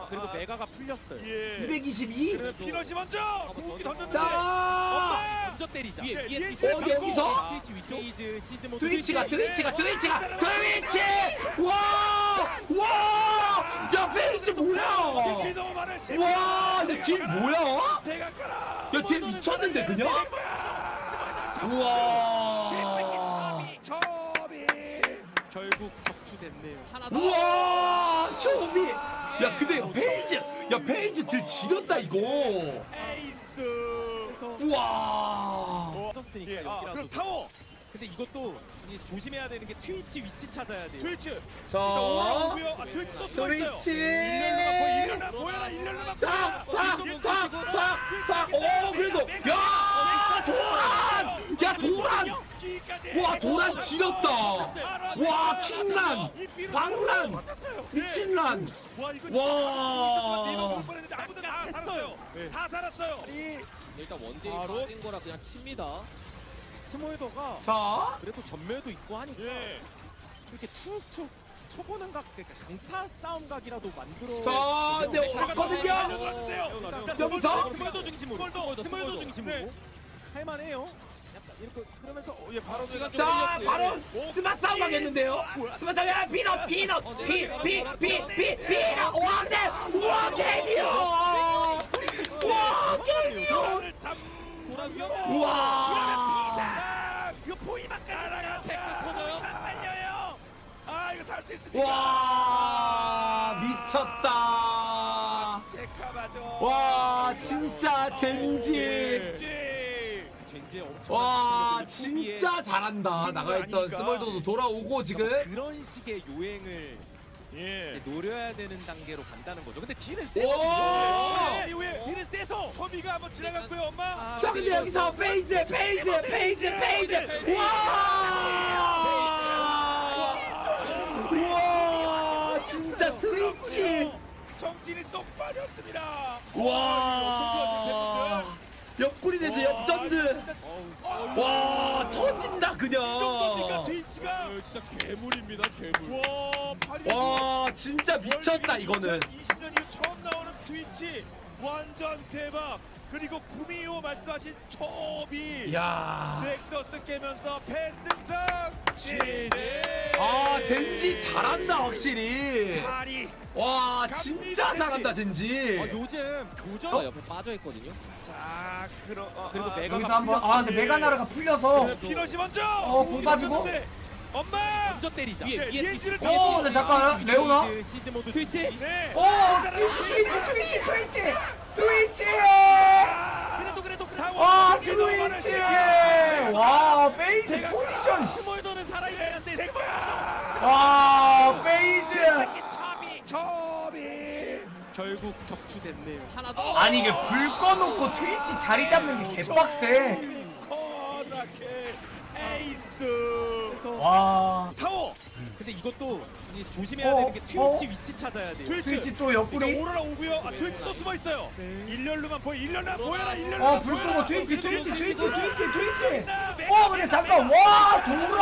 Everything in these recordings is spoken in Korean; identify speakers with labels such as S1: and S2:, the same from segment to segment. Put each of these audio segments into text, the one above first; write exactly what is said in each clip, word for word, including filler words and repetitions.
S1: 그리고 메가가 풀렸어요.
S2: 예.
S3: 이백이십이.
S2: 그래서 피넛이 먼저 공기 던졌는데
S3: 자,
S2: 엄마
S1: 먼저 때리자.
S2: 위에,
S1: 위에
S2: 위에
S1: 트위치
S2: 트위치
S3: 어디 여기서?
S1: 트위치 위쪽. 페이즈 시즈 모드.
S3: 트위치가
S1: 트위치.
S3: 트위치가 트위치가 트위치. 와, 와, 야 페이지 뭐야?
S2: 신비 너무 많은 신비.
S3: 와, 내딜 뭐야?
S2: 대각가라.
S3: 야, 딜 미쳤는데 그냥? 우와.
S2: 초비.
S1: 결국 격추됐네요. 하나 더.
S3: 우와, 초비. 야, 근데 페이지, 야 페이지 들 지렸다 이거.
S2: 에이스.
S3: 우와.
S1: 터졌으니까
S2: 예, 아,
S1: 여기라도.
S2: 그럼 타워.
S1: 근데 이것도 이 조심해야 되는 게 트위치 위치 찾아야 돼요.
S2: 트위치.
S3: 자,
S2: 올라오고요. 아, 트위치 또 숨어 있어요.
S3: 트위치.
S2: 일렬로만 보여. 일렬로만 보여라. 일렬로만
S3: 탁,
S2: 보여라.
S3: 탁, 탁, 탁, 탁. 오, 그래도 야, 도란. 야, 도란. 와, 도란 지렸다. 와, 킹란, 왕란, 미친란.
S2: 와, 이거
S3: 와.
S2: 아무도 다 살았어요. 다 살았어요.
S4: 일단 원딜이
S2: 바로?
S4: 빠진 거라 그냥 칩니다.
S1: 스몰더가
S3: 자,
S1: 그래도 전멸도 있고 하니까
S2: 예.
S1: 이렇게 툭툭 쳐보는 각, 그러니까 강타 싸움 각이라도 만들어.
S3: 자, 근데 왔거든요. 여기서?
S1: 스몰더 중심으로.
S2: 스몰더,
S1: 스몰더
S2: 스몰더.
S1: 중심으로.
S2: 네.
S1: 할만해요. 약간 이렇게 그러면서 어,
S2: 예, 바로
S4: 시간 좀
S3: 자,
S4: 걸렸고요.
S3: 바로 스마 싸움 하겠는데요. 스마 싸움, 야, 피넛, 피넛, 피, 피, 피, 피, 피넛. 와, 네, 우와, 개디오. 와, 개디오. 우와.
S2: 이거 포위만 깔아라. 체크 터져요. 말려요. 아, 이거 살 수 있습니다.
S3: 와, 미쳤다.
S2: 체크 맞아.
S3: 와, 진짜 젠지.
S1: 젠지의 엄청.
S3: 와, 진짜 잘한다. 나가있던
S2: 아니까.
S3: 스몰더도 돌아오고 지금.
S1: 그런 식의 요행을
S2: 예.
S1: 노려야 되는 단계로 간다는 거죠. 근데 딜은
S3: 오!
S1: 세거든요.
S2: 예, 이후에 딜은 세서 초비가 한번 지나갔고요, 엄마.
S1: 아,
S3: 자, 근데 여기서 페이즈, 페이즈, 페이즈, 페이즈. 와! 우와, 진짜 트위치.
S2: 정진이 쏙 빠졌습니다.
S3: 와. 옆구리 내지 옆전드. 와, 터진다
S2: 이 정도니까
S3: 그냥.
S2: 트위치가
S4: 진짜 괴물입니다, 괴물.
S2: 와, 팔
S3: 와, 진짜 미쳤다 이거는.
S2: 이천이십 년 이후 처음 나오는 트위치 완전 대박. 그리고 구미호 말씀하신 초비.
S3: 야.
S2: 넥서스 깨면서 패승승. 시대.
S3: 아, 젠지 잘한다 확실히.
S2: 파리.
S3: 와, 진짜 잘한다 젠지.
S1: 아, 요즘 교전
S4: 어? 옆에 빠져 있거든요.
S2: 자, 그럼 어,
S1: 그리고
S2: 아,
S1: 메가가
S5: 여기서 한번
S1: 풀렸어요.
S5: 아 근데 메가나르가 풀려서
S2: 네, 피넛이 먼저.
S5: 어, 공 빠지고.
S2: 빠졌는데. 엄마.
S1: 먼저 때리자.
S2: 예,
S1: 위에
S2: 예지를
S1: 트위치.
S5: 어, 근데 잠깐 레오나
S1: 시즈, 시즈 모드 트위치.
S2: 네.
S5: 오 트위치 트위치 트위치 트위치 트위치
S2: 그래도 그래도 타워.
S5: 와
S2: 저기 너무 많은
S5: 트위치
S2: 시간.
S5: 와 페이지 포지션 씨.
S2: 스몰더는 살아있는데 스몰더.
S5: 와 페이지
S2: 초비. 초비.
S1: 결국 격추됐네요.
S4: 하나 더.
S5: 아니 이게 불 꺼놓고 트위치 자리 잡는 게 개빡세
S2: 코나케 에이스.
S1: 그래서
S5: 와
S2: 타워.
S1: 근데 이것도 이 조심해야
S5: 어,
S1: 되는 게 트위치
S5: 어?
S1: 위치 찾아야 돼요.
S2: 트위치.
S5: 트위치 또
S2: 그러니까
S5: 옆구리
S2: 오로라 오고요. 아, 트위치 또 숨어 있어요. 일렬로만 보여. 일렬로만 보여라. 일렬로만
S5: 어불 끄고 트위치 트위치 트위치 트위치 트위치
S2: 보여라.
S5: 어 근데 잠깐 와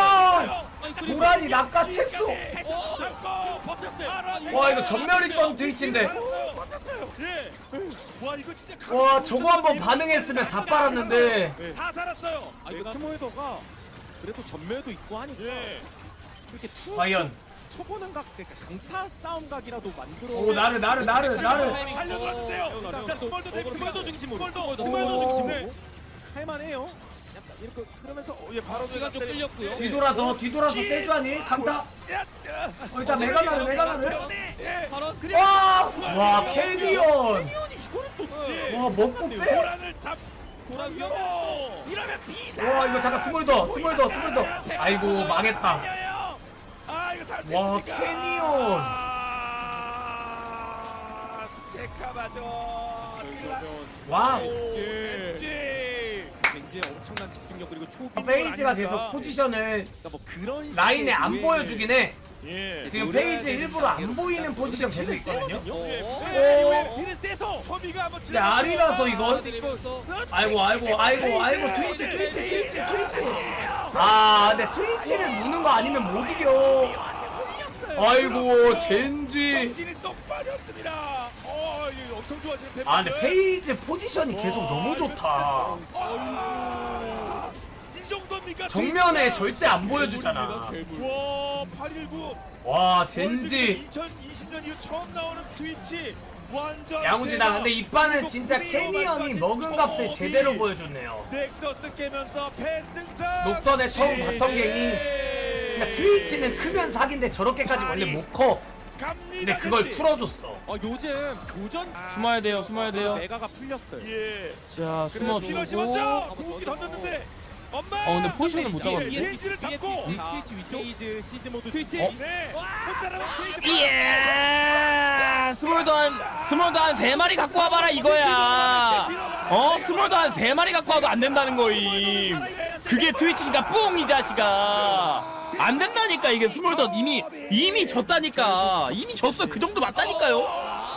S5: 도란 도란이 낚아챘어
S2: 잡고 버텼어요.
S5: 와 이거 전멸 있던 트위치인데
S2: 버텼어요. 예. 와, 이거 진짜
S5: 와 저거 한번 반응했으면 다 빨았는데
S2: 다 살았어요.
S1: 아, 이거 스몰더가 그래도 전멸도 있고 하니까
S2: 예.
S1: 이렇게 툭
S5: 과연
S1: 쳐보는 각, 그러니까 강타 싸움 각이라도 만들어.
S5: 오 나르 나르 나르 나르
S2: 달려들었는데요.
S1: 일단
S2: 스몰더 대
S1: 스몰더 중심으로.
S2: 스몰더.
S1: 스몰더
S5: 오.
S1: 중심으로. 할만해요. 약간 이렇게 그러면서 어,
S2: 예, 바로
S4: 시간 좀 끌렸고요.
S5: 뒤돌아서 뒤돌아서 세주하니 강타 어 일단 메가나르 메가나르
S2: 예.
S4: 바로
S5: 와! 와 캐리온
S1: 이거는 또
S2: 예.
S5: 와 먹고 빼!
S2: 도란을 잡.
S1: 도란이요?
S2: 이러면 비사.
S5: 와 이거 잠깐 스몰더 스몰더 스몰더 아이고 망했다
S2: 아, 이거 살수
S5: 와
S2: 있으니까.
S5: 캐니온
S2: 아, 체크하죠.
S5: 와
S2: 예.
S1: 굉장히 엄청난 집중력 그리고 초비.
S5: 페이지가 계속 포지션을
S1: 그러니까 뭐 그런
S5: 라인에
S1: 식의
S5: 안
S1: 유행을-
S5: 보여주긴 해
S2: 예.
S5: 지금 페이지 일부러 안 보이는 포지션 계속 있거든요
S2: 예.
S4: 어.
S2: 예. 딜은 세서 초비가 한번
S5: 근데 아리라서 이건
S4: 때리면서
S5: 아이고 아이고 아이고 아이고 트위치 트위치 트위치 트위치 아 근데 트위치를 무는 거 아니면 못 이겨 아이고 젠지
S2: 정진이 쏙 빠졌습니다. 오, 엄청 좋아하시는 팬분들.
S5: 아 근데 페이지 포지션이 계속 너무 좋다.
S2: 아, 이 정도입니까?
S5: 정면에
S2: 트위치?
S5: 절대 안 보여주잖아.
S4: 괴물.
S2: 와, 팔일구.
S5: 와 젠지.
S2: 이천이십 년 이후 처음 나오는 트위치. 완전
S5: 양우지다. 근데 이 판은
S2: 그리고
S5: 진짜
S2: 구미호
S5: 캐니 형이
S2: 말까지
S5: 먹은 값을
S2: 초비.
S5: 제대로 보여줬네요.
S2: 넥서스 깨면서 패승상.
S5: 녹턴의 처음 바텀갱이. 그러니까 트위치는 크면 사기인데 저렇게까지 원래 못 커.
S2: 갑니다.
S5: 근데 그걸
S2: 그치?
S5: 풀어줬어.
S1: 어, 요즘 교전
S3: 숨어야 돼요, 숨어야 돼요.
S1: 메가가 풀렸어요.
S2: 예.
S3: 자,
S2: 피너시
S3: 숨어주고.
S2: 먼저 궁기 던졌는데. 엄마.
S3: 어, 근데 포지션을 못 잡았네.
S2: 페이지를 잡고.
S1: 트위치 위쪽 페이지 시즈 모드 트위치.
S3: 어?
S2: 네. 못 따라가면 페이지.
S3: 예! 스몰도 한, 스몰도 한 세 마리 갖고 와봐라, 이거야. 어? 스몰도 한 세 마리 갖고 와도 안 된다는 거임. 그게 트위치니까 뿡, 이 자식아. 안 된다니까, 이게 스몰도 이미, 이미 졌다니까. 이미 졌어. 그 정도 맞다니까요.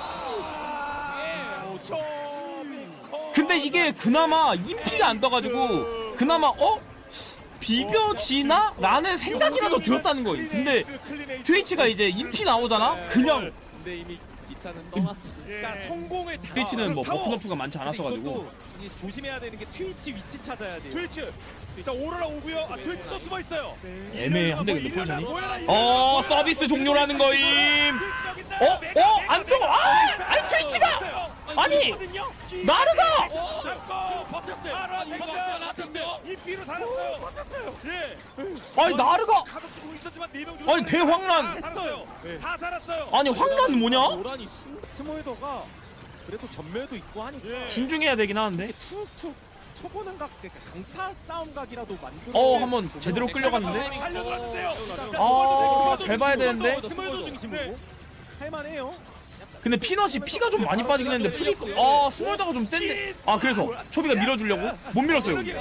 S3: 근데 이게 그나마 인피가 안 떠가지고, 그나마, 어? 비벼지나? 라는 생각이라도 들었다는 거임. 근데 트위치가 이제 인피 나오잖아? 그냥
S4: 근데 이미 기차는 떠났어.
S1: 그러니까 성공을 다.
S3: 트위치는 뭐
S2: 타워.
S3: 버프너프가 많지 않았어가지고.
S1: 이것도 이 조심해야 되는 게 트위치 위치 찾아야 돼요.
S2: 트위치. 자, 오로라 오고요. 아, 트위치 또 숨어 있어요.
S3: 애매한데 근데 포지션이. 어 서비스 종료라는 거임. 어? 어? 안쪽 아! 아니 트위치가! 아니! 나르가!
S2: 이 피로 살았어요. 버텼어요. 예.
S3: 아니 나르가!
S2: 가도 쓰고 있었지만 네명 중에
S3: 아니 대황란!
S2: 살았어요. 다 살았어요.
S3: 아니 황란 뭐냐?
S4: 노란이 스
S1: 스몰더가 그래도 전멸도 있고 하니까
S2: 예.
S3: 신중해야 되긴 하는데.
S1: 이게 툭툭 쳐보는 각, 그러니까 강타 싸움 각이라도 만들어.
S3: 어 한번 제대로 끌려갔는데.
S2: 달려들었는데요.
S3: 아, 잘 봐야 되는데.
S1: 스몰더 중심으로 할만해요.
S3: 근데 피넛이 피가 좀 많이 빠지긴 했는데 프리 아 스몰더가 좀 센데. 아 그래서 초비가 밀어주려고 못 밀었어요 여기.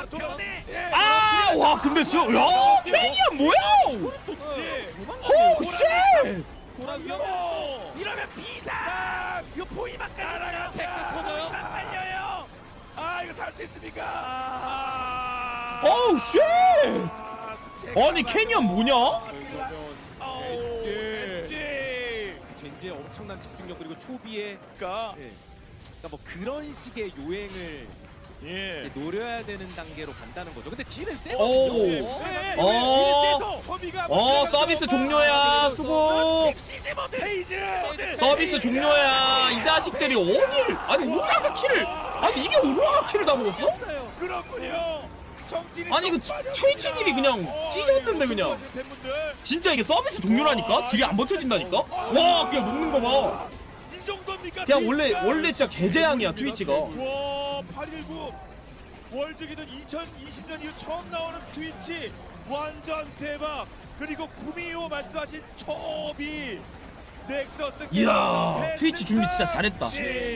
S3: 아 와 근데 수, 야 케이야 뭐야? 호 쉣!
S4: 도란 위험.
S2: 이러면 비상. 이거 포위만 깔아요.
S4: 터져요?
S2: 빨려요. 아 이거 살 수 있습니까? 아,
S3: 어우 쉣!
S2: 아,
S3: 아니 캐니언 뭐냐?
S2: 아우, 왠지.
S1: 젠지의 엄청난 집중력 그리고 초비의
S2: 그러니까
S1: 예. 그러니까 뭐 그런 식의 요행을
S2: 예.
S1: 노려야 되는 단계로 간다는 거죠. 근데 딜은
S3: 오.
S1: 세거든요.
S2: 네,
S3: 어.
S2: 딜이 세서 초비가
S3: 어 서비스 종료야 수고.
S2: 페이지.
S3: 서비스 종료야 이 자식들이 어딜 아니 오라가 킬을 아니 이게 오라가 킬을 다 먹었어?
S2: 그렇군요. 정진이
S3: 아니 그
S2: 좀 빠졌습니다.
S3: 트위치님이 그냥 찢었는데 그냥
S2: 하시는 팬분들.
S3: 진짜 이게 서비스 종료라니까? 딜이 안 버텨진다니까? 와 그냥 녹는 거봐
S2: 이 정도입니까?
S3: 그냥 원래
S2: 트위치가?
S3: 원래 진짜 개재앙이야 트위치가.
S2: 와, 팔일구 월드기준 이천이십 년 이후 처음 나오는 트위치 완전 대박. 그리고 구미호 말씀하신 초비 넥서스
S3: 이야
S2: 게임
S3: 트위치 준비 진짜 잘했다.
S2: 지-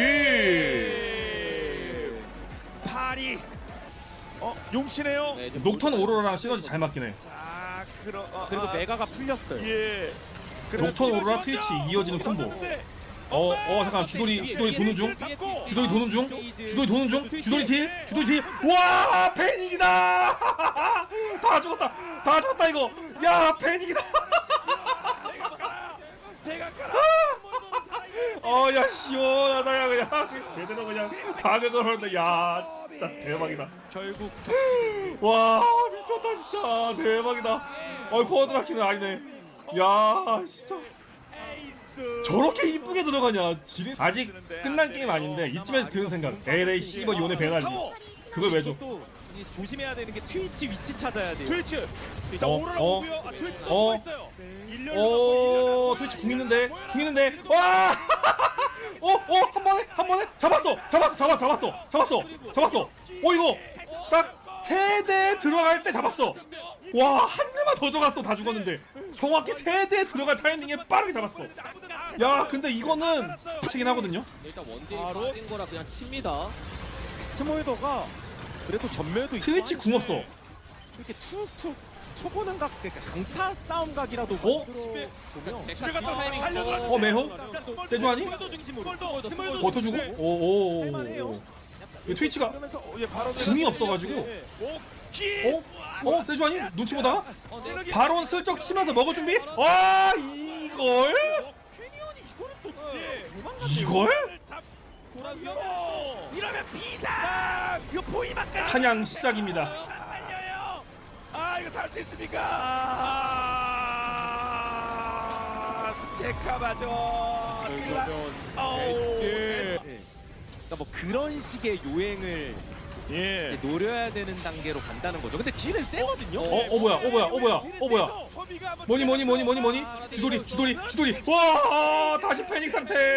S3: 지지.
S2: 파리 어 용치네요.
S4: 네, 이제
S3: 녹턴 오로라랑 시너지 잘 맞긴 해.
S2: 자 그러 어,
S1: 그리고
S2: 아,
S1: 메가가 풀렸어요.
S2: 예.
S3: 녹턴 오로라 트위치 이어지는 콤보. 어, 어, 잠깐, 주돌이, 주돌이 도는 중? 주돌이 도는 중? 주돌이 도는 중? 주돌이 딜? 주돌이 딜? 와, 패닉이다! 다 죽었다! 다 죽었다, 이거! 야, 패닉이다!
S2: 대각가라.
S3: 어, 야, 시원하다, 야, 그냥. 제대로 그냥 다 그거는데, 야, 진짜 대박이다.
S1: 결국
S3: 와, 미쳤다, 진짜. 대박이다. 어이, 코어드라키는 아니네. 야, 진짜. 저렇게 이쁘게 들어가냐? 지리... 아직 끝난 게임 아닌데 이쯤에서 드는 생각. 에레이 씨발 요네 배나지. 그걸 왜 줘?
S1: 이것도 이 조심해야 되는 게 트위치 위치 찾아야 돼요.
S2: 트위치. 자,
S3: 어,
S2: 오로라
S3: 어,
S2: 오고요. 아, 트위치
S3: 어,
S2: 또 있어요.
S3: 오, 트위치 궁 있는데, 궁 있는데, 와! 어, 어, 한 번에, 한 번에, 잡았어, 잡았어, 잡았어, 잡았어, 잡았어, 잡았어. 어, 이거 딱 세 대 들어갈 때 잡았어. 와, 한 대만 더 들어갔어, 다 죽었는데. 정확히 세 대 들어갈 타이밍에 빠르게 잡았어. 야, 근데 이거는 치긴 하거든요.
S4: 일단 원딜이 빠진 거라 그냥 칩니다.
S1: 스몰더가 그래도 전멸도 있고
S3: 트위치 궁 없어.
S1: 이렇게 툭툭 쳐보는 각, 그러니까 강타 싸움 각이라도
S3: 어?
S1: 만들어 보면
S2: 집에 갔다 달려들어.
S3: 어, 매호? 세주하니? 버텨주고? 오, 오, 오. 이 트위치가
S1: 그러면서 어, 예, 바로
S3: 궁이 없어가지고.
S2: 오, 기.
S3: 어? 어? 세주하니? 눈치 보다가?
S4: 어, 네.
S3: 바론 슬쩍 치면서 먹을 준비? 와, 이걸?
S2: 캐니언이 이거는 또 예.
S3: 이걸?
S2: 자,
S4: 돌아
S2: 오!
S4: 위험해.
S2: 이러면 비상! 이거 보이만까지
S3: 사냥 시작입니다.
S2: 달려요. 아 이거 살 수 있습니까? 아, 체카마죠.
S4: 그러면
S2: 어우.
S4: 예.
S1: 그러니까 뭐 그런 식의 요행을
S2: 예.
S1: 이제 노려야 되는 단계로 간다는 거죠. 근데 딜은 세거든요.
S3: 어, 어 뭐야, 어 뭐야, 어 뭐야, 어 뭐야. 뭐니 뭐니 뭐니 뭐니 뭐니? 주돌이, 주돌이, 주돌이. 와, 다시 패닉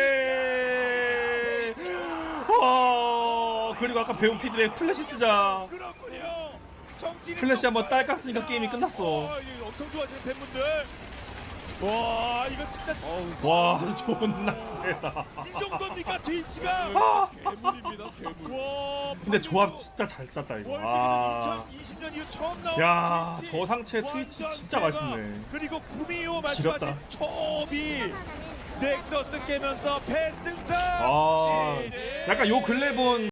S3: 상태. 와, 그리고 아까 배운 피드백 플래시 쓰자.
S2: 그렇군요.
S3: 플래시 한번 딸 깠으니까 게임이 끝났어.
S2: 어, 이거 엄청 좋아하시는 팬분들. 와 이거 진짜
S3: 와, 존나 세다.
S2: 이 정도입니까 트위치가?
S3: 아,
S4: 괴물입니다. 괴물.
S2: 와,
S3: 근데 조합 진짜 잘 짰다 이거.
S2: 월드컵
S3: 아,
S2: 이천이십 년 이후 처음 나온
S3: 야,
S2: 트위치.
S3: 저 상체 트위치
S2: 완전
S3: 진짜
S2: 대박.
S3: 맛있네.
S2: 그리고 구미호
S3: 지렸다.
S2: 말씀하신 초비 넥서스 깨면서 패승상.
S3: 아, 약간 요 근래 본